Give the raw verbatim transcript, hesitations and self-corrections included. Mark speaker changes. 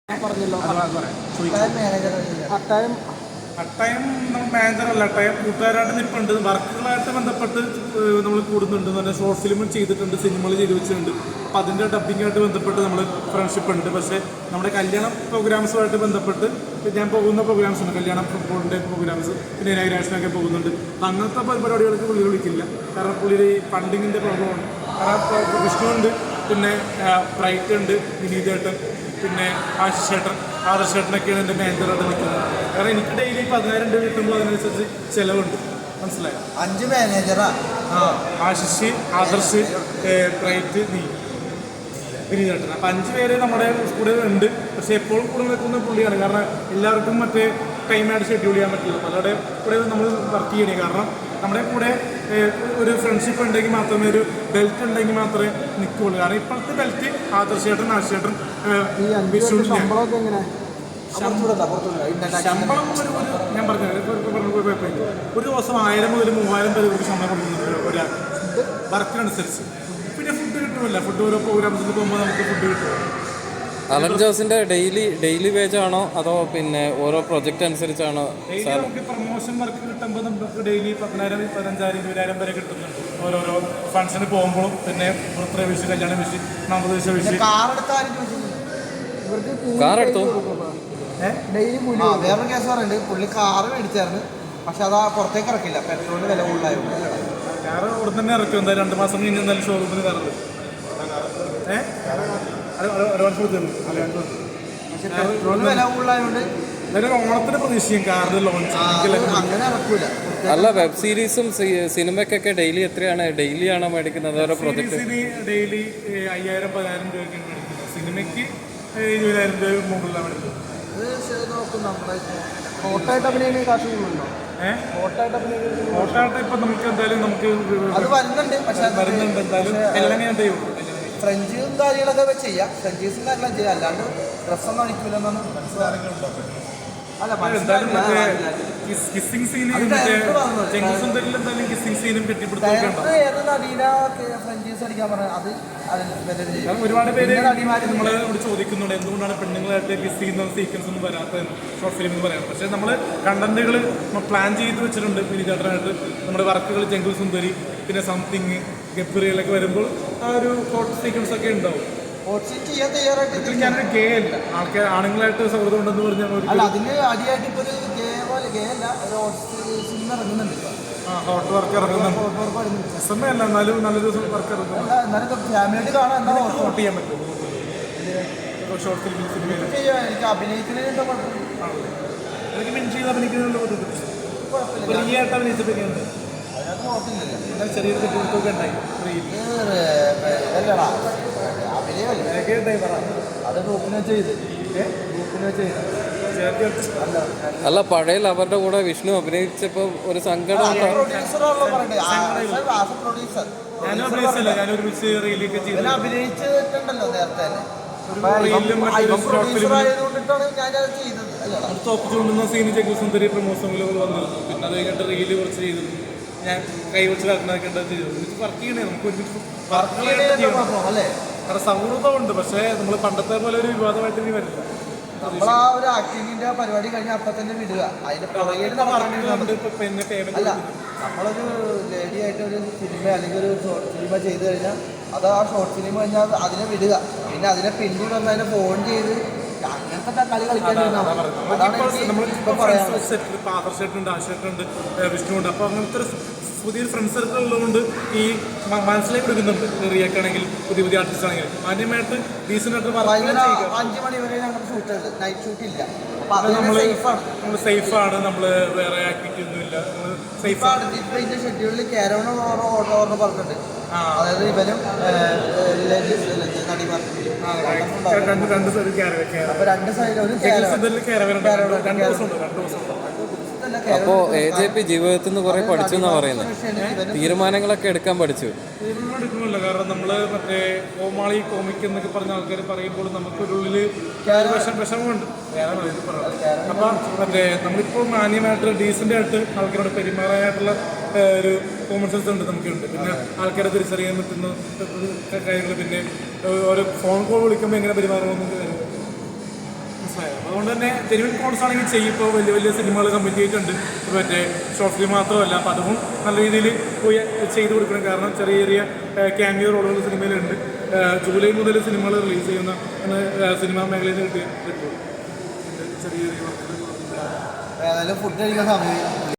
Speaker 1: പറഞ്ഞല്ലോ അട്ടായം
Speaker 2: അട്ടയം നമ്മൾ മാനേജറല്ല, അട്ടയം കൂട്ടുകാരായിട്ട് നിൽപ്പുണ്ട്. വർക്കുകളായിട്ട് ബന്ധപ്പെട്ട് നമ്മൾ കൂടുന്നുണ്ട്. നല്ല ഷോർട്ട് ഫിലിമും ചെയ്തിട്ടുണ്ട്, സിനിമകൾ ചെയ്തു വെച്ചിട്ടുണ്ട്. അപ്പോൾ അതിൻ്റെ ഡബിങ്ങായിട്ട് ബന്ധപ്പെട്ട് നമ്മൾ ഫ്രണ്ട്ഷിപ്പ് ഉണ്ട്. പക്ഷേ നമ്മുടെ കല്യാണ പ്രോഗ്രാംസുമായിട്ട് ബന്ധപ്പെട്ട് ഞാൻ പോകുന്ന പ്രോഗ്രാംസ് ഉണ്ട്, കല്യാണ ഫുട്ബോളിൻ്റെ പ്രോഗ്രാംസ്, പിന്നെ ഇനാഗ്രേഷനൊക്കെ പോകുന്നുണ്ട്. അപ്പം അങ്ങനത്തെ പരിപാടികൾക്ക് പുള്ളി വിളിക്കില്ല. കാരണം പുള്ളി ഫണ്ടിങ്ങിൻ്റെ പ്രോബ്ലമാണ്. കാരണം വിഷ്ണുണ്ട്, പിന്നെ ബ്രൈറ്റ് ഉണ്ട്, വിനീതേട്ടൻ, പിന്നെ ആശിഷേട്ടൻ, ആദർശേട്ടനൊക്കെയാണ് എൻ്റെ മാനേജറായിട്ട് നിൽക്കുന്നത്. കാരണം എനിക്ക് ഡെയിലി പതിനായിരം രൂപ കിട്ടുമ്പോൾ അതിനനുസരിച്ച് ചിലവുണ്ട്. മനസ്സിലായോ?
Speaker 3: അഞ്ച് മാനേജറാ.
Speaker 2: ആ ആശിഷ്, ആദർശ്, ബ്രൈറ്റ്, നീ, വിനീതേട്ടൻ. അപ്പം അഞ്ച് പേര് നമ്മുടെ കൂടെ ഉണ്ട്. പക്ഷേ എപ്പോഴും കൂടെ നിൽക്കുന്ന പുള്ളിയാണ്. കാരണം എല്ലാവർക്കും മറ്റേ ടൈമായിട്ട് ഷെഡ്യൂൾ ചെയ്യാൻ പറ്റില്ല. പലരുടെ കൂടെ നമ്മൾ വർക്ക് ചെയ്യണേ. കാരണം നമ്മുടെ കൂടെ ഒരു ഫ്രണ്ട്ഷിപ്പ് ഉണ്ടെങ്കിൽ മാത്രമേ, ഒരു ബെൽറ്റ് ഉണ്ടെങ്കിൽ മാത്രമേ നിൽക്കുകയുള്ളൂ. കാരണം ഇപ്പോഴത്തെ ബെൽറ്റ് ആദർശേട്ടൻ, ആശേട്ടൻ, വിഷ്ണു. ശമ്പളം ഒരു ഞാൻ പറഞ്ഞത് ഒരു ദിവസം ആയിരം മുതൽ മൂവായിരം പേര് ഒരു ശമ്പളം കൊടുക്കുന്നുണ്ട് ഒരാൾ വർക്കിനനുസരിച്ച്. പിന്നെ ഫുഡ് കിട്ടുമല്ല, ഫുഡ് ഓരോ പ്രോഗ്രാംസിൽ പോകുമ്പോൾ നമുക്ക് ഫുഡ് കിട്ടും.
Speaker 4: അലൻ ജോസിന്റെ ഡെയിലി ഡെയിലി വേജ് ആണോ അതോ പിന്നെ ഓരോ പ്രൊജക്റ്റ് അനുസരിച്ചാണോ?
Speaker 2: ഡെയിലി നമുക്ക് പ്രൊമോഷൻ വർക്ക് കിട്ടുമ്പോൾ നമുക്ക് ഡെയിലി പതിനായിരം പതിനഞ്ചായിരം ഇരുപതിനായിരം വരെ കിട്ടുന്നുണ്ട്. ഓരോരോ ഫംഗ്ഷന് പോകുമ്പോഴും, പിന്നെ ബർത്ത്ഡേ വിഷ്, കല്യാണ വിഷ്, നവദേശ വിഷ്.
Speaker 4: കാർ എടുത്തു.
Speaker 3: വേറൊരു കേസ് പറയുന്നുണ്ട്, പുള്ളി കാറ് മേടിച്ചായിരുന്നു. പക്ഷെ അത് പുറത്തേക്ക് ഇറക്കില്ല, പെട്രോളിന് വില കൂടുതലായിരുന്നു.
Speaker 2: കാറ് ഇവിടെ തന്നെ ഇറക്കും. എന്തായാലും രണ്ട് മാസം കഴിഞ്ഞ് എന്തായാലും ഷോറൂമിന് കയറുന്നത്. ഏഹ്
Speaker 3: പെട്രോളിന് വില കൂടുതലായതുകൊണ്ട്
Speaker 2: ഓണത്തിന് പ്രതീക്ഷിക്കും കാറിന് ലോഞ്ച്.
Speaker 3: അങ്ങനെ ഇറക്കൂല.
Speaker 4: അല്ല, വെബ് സീരീസും സിനിമയ്ക്കൊക്കെ ഡെയിലി എത്രയാണ്? ഡെയിലി ആണോ മേടിക്കുന്നത്? ഓരോ പ്രൊജക്ട്
Speaker 2: ഡെയിലി അയ്യായിരം പതിനായിരം രൂപയ്ക്കാണ് മേടിക്കുന്നത്. സിനിമയ്ക്ക് ഇരുപതിനായിരം രൂപ മുകളിലാണ് മേടിക്കുന്നത്.
Speaker 3: നോക്കും നമ്മുടെ
Speaker 1: ഫോട്ടോയായിട്ട് അഭിനയിക്കുന്ന കാശ് കൂടുന്നുണ്ടോ?
Speaker 2: ഏഹ്
Speaker 1: ഫോട്ടോയായിട്ട് അഭിനയിക്കുന്ന
Speaker 2: ഫോട്ടോയായിട്ട് ഇപ്പം നമുക്ക് എന്തായാലും നമുക്ക്
Speaker 3: അത് വരുന്നുണ്ട്. പക്ഷെ
Speaker 2: വരുന്നുണ്ട്. എന്തായാലും എല്ലാം ഞാൻ ചെയ്യും.
Speaker 3: ഫ്രഞ്ചും കാര്യങ്ങളൊക്കെ ചെയ്യാം, ഫ്രഞ്ചീസും കാര്യങ്ങളൊക്കെ ചെയ്യാം. അല്ലാണ്ട് ഡ്രസ്സൊന്നും അടിക്കൂലെന്നാണ് മനസ്സിലാകുന്നുണ്ടോ? അല്ല
Speaker 2: കിസ്സിംഗ് സീനും കിസ്സിംഗ് സീനും കെട്ടിപ്പിടുത്തൊക്കെ
Speaker 3: ഫ്രഞ്ചീസ് അടിക്കാൻ പറഞ്ഞത് അത്
Speaker 2: ഒരുപാട് പേര് നമ്മളോട് ചോദിക്കുന്നുണ്ട് എന്തുകൊണ്ടാണ് പെണ്ണുങ്ങളായിട്ട് കിസ് ചെയ്യുന്ന സീക്വൻസ് ഒന്നും വരാത്തതെന്ന് ഷോർട്ട് ഫിലിം എന്ന് പറയാം. പക്ഷേ നമ്മൾ കണ്ടന്റുകൾ പ്ലാൻ ചെയ്ത് വെച്ചിട്ടുണ്ട്. വിനീതേട്ടനായിട്ട് നമ്മുടെ വർക്കുകൾ ജംഗിൾ സുന്ദരി, പിന്നെ സംതിങ്, ഗബ്രിയിലൊക്കെ വരുമ്പോൾ ആ ഒരു ഷോർട്ട് സീക്വൻസ് ഒക്കെ ഉണ്ടാവും.
Speaker 3: ചെയ്യാൻ തയ്യാറായിട്ട്
Speaker 2: ഞാനൊരു ഗേ അല്ല, ആൾക്കാർ ആണുങ്ങളായിട്ട് സൗഹൃദം ഉണ്ടെന്ന് പറഞ്ഞാൽ
Speaker 3: അല്ല, അതിന് അടിയായിട്ട് ഇപ്പോൾ ഒരു ഗേ പോലെ ഗേ അല്ല, ഒരു സിനിമ ഇറങ്ങുന്നുണ്ട്.
Speaker 2: ആ ഹോട്ട് വർക്ക് ഇറങ്ങുന്നുണ്ട്. സമയമല്ല, എന്നാലും നല്ലൊരു വർക്ക് ഇറങ്ങുന്നുണ്ട്.
Speaker 3: എന്നാലും ഫാമിലിയായിട്ട് കാണാൻ എന്താ
Speaker 2: വോട്ട് ചെയ്യാൻ പറ്റും ഷോർട്ട് ഫിലിം സിനിമയിൽ.
Speaker 3: എനിക്ക് അഭിനയിക്കുന്നതിന് കുഴപ്പമില്ല.
Speaker 2: എനിക്ക് മെൻ ചെയ്ത് അഭിനയിക്കുന്നതിനുള്ള ബുദ്ധിമുട്ട് ഫ്രീ ആയിട്ട് അഭിനയിച്ചപ്പോഴൊക്കെയുണ്ട്.
Speaker 3: അതിനകത്ത് കുഴപ്പമില്ലല്ലോ.
Speaker 2: ചെറിയൊരു തെറ്റുകൊക്കെ ഉണ്ടായി
Speaker 3: അല്ലടാ അഭിനയമല്ലേ, അത് ഗ്രൂപ്പിനെ ചെയ്ത് ഗ്രൂപ്പിനെ ചെയ്ത്
Speaker 4: അല്ല, പഴയ അവരുടെ കൂടെ വിഷ്ണു അഭിനയിച്ചപ്പോൾ ഒരു സങ്കടം
Speaker 3: പ്രൊഡ്യൂസറുള്ള പറയണ്ടേ, പ്രൊഡ്യൂസർ
Speaker 2: ഞാനും അഭിനയിച്ചല്ല, ഞാൻ ഒരുമിച്ച് റീലൊക്കെ ചെയ്ത്
Speaker 3: അഭിനയിച്ചിട്ടുണ്ടല്ലോ നേരത്തെ തന്നെ.
Speaker 2: തോപ്പിച്ചുകൊണ്ടുന്ന സീന് ജംഗിൾ സുന്ദരി പ്രമോഷനുകൾ വന്നിരുന്നു. പിന്നെ അത് കഴിഞ്ഞിട്ട് റീല് കുറച്ച് ചെയ്തിരുന്നു. ഞാൻ കൈ വെച്ച് നടക്കുന്നതൊക്കെ ഉണ്ട് ചെയ്തു. ഒരുമിച്ച് വർക്ക് ചെയ്യണേ, നമുക്ക് ഒരുമിച്ച് വർക്ക് ചെയ്യണം. കാരണം സൗഹൃദമുണ്ട്. പക്ഷേ നമ്മൾ പണ്ടത്തെ പോലെ ഒരു വിവാദമായിട്ട് ഇനി വരില്ല.
Speaker 3: നമ്മൾ ആ ഒരു ആക്ടിങ്ങിന്റെ പരിപാടി കഴിഞ്ഞാൽ അപ്പം തന്നെ വിടുക. അതിന്റെ പുറകിൽ അല്ല, നമ്മളൊരു ലേഡി ആയിട്ട് ഒരു സിനിമ അല്ലെങ്കിൽ ഒരു ഷോർട്ട് ഫിലിമ ചെയ്ത് കഴിഞ്ഞാൽ അത് ആ ഷോർട്ട് ഫിലിം കഴിഞ്ഞാൽ അതിനെ വിടുക. പിന്നെ അതിനെ പിന്നീട് വന്ന് അതിനെ ഫോൺ ചെയ്ത് അങ്ങനത്തെ കളി കളിക്കാൻ
Speaker 2: ആദർശേട്ടുണ്ട്, ആശേട്ടുണ്ട്, വിഷ്ണുണ്ട്. അപ്പോൾ അങ്ങനത്തെ ഒരു പുതിയൊരു ഫ്രണ്ട്സ് സർക്കിൾ ഉള്ളതുകൊണ്ട് ഈ മനസ്സിലേക്ക് എടുക്കുന്നുണ്ട്. റിയാക്ട് ആണെങ്കിൽ പുതിയ പുതിയ ആർട്ടിസ്റ്റ് ആണെങ്കിൽ ആദ്യമായിട്ട് ഡീസൻ്റായിട്ട്
Speaker 3: അഞ്ച് മണി വരെ ഞങ്ങൾ ഷൂട്ട് ചെയ്ത് നൈറ്റ് ഷൂട്ട് ഇല്ല.
Speaker 2: നമ്മൾ നമ്മൾ സേഫാണ്, നമ്മൾ വേറെ ആക്ടിവിറ്റി ഒന്നുമില്ല, നമ്മൾ സേഫാണ്.
Speaker 3: ഇപ്പം ഇതിൻ്റെ ഷെഡ്യൂളിൽ കാരവൺ ഓർഡർ ഓർഡർ പറഞ്ഞിട്ടുണ്ട്. അതായത് ഇവനും
Speaker 2: രണ്ട് രണ്ട് സൈഡ് ക്യാരവൻ.
Speaker 3: അപ്പോൾ രണ്ട് സൈഡിൽ ഒരു
Speaker 2: രണ്ട് ദിവസം ഉണ്ട് രണ്ട് ദിവസം
Speaker 4: അപ്പോൾ എ ജെ പി ജീവിതത്തിൽ നിന്ന് കുറെ പഠിച്ചു എന്നാ പറയുന്നത്. തീരുമാനങ്ങളൊക്കെ എടുക്കാൻ പഠിച്ചു.
Speaker 2: തീരുമാനം എടുക്കുന്നില്ല. കാരണം നമ്മൾ മറ്റേ കോമാളി കോമിക് എന്നൊക്കെ പറഞ്ഞ ആൾക്കാർ പറയുമ്പോൾ നമുക്കൊരുള്ളിൽ വിഷം വിഷമമുണ്ട്. അപ്പം മറ്റേ നമ്മളിപ്പോൾ മാന്യമായിട്ട് ഡീസൻ്റ് ആയിട്ട് ആൾക്കാരോട് പെരുമാറാനായിട്ടുള്ള ഒരു കോമൺ സെൻസ് ഉണ്ട്, നമുക്കുണ്ട്. പിന്നെ ആൾക്കാരെ തിരിച്ചറിയാൻ പറ്റുന്ന കാര്യങ്ങൾ, പിന്നെ ഓരോ ഫോൺ കോൾ വിളിക്കുമ്പോൾ എങ്ങനെ പെരുമാറണമെന്നൊക്കെ വരും. മനസ്സിലായോ? അതുകൊണ്ട് തന്നെ ജെനുവിൻ കോൺസ് ആണെങ്കിൽ ചെയ്യും. ഇപ്പോൾ വലിയ വലിയ സിനിമകൾ കമ്മിറ്റ് ചെയ്തിട്ടുണ്ട്, മറ്റേ ഷോർട്ട് ഫിലിം മാത്രമല്ല. അപ്പോൾ അതും നല്ല രീതിയിൽ പോയി ചെയ്ത് കൊടുക്കണം. കാരണം ചെറിയ ചെറിയ ക്യാമിയോ റോളുകൾ സിനിമയിലുണ്ട്. ജൂലൈ മുതൽ സിനിമകൾ റിലീസ് ചെയ്യുന്ന സിനിമാ മേഖലയിൽ നിന്ന് കിട്ടിയ റിപ്പോർട്ട് ചെറിയ ചെറിയ വർക്കുകൾ.
Speaker 3: ഏതായാലും ഫുഡ് കഴിക്കാൻ സമയം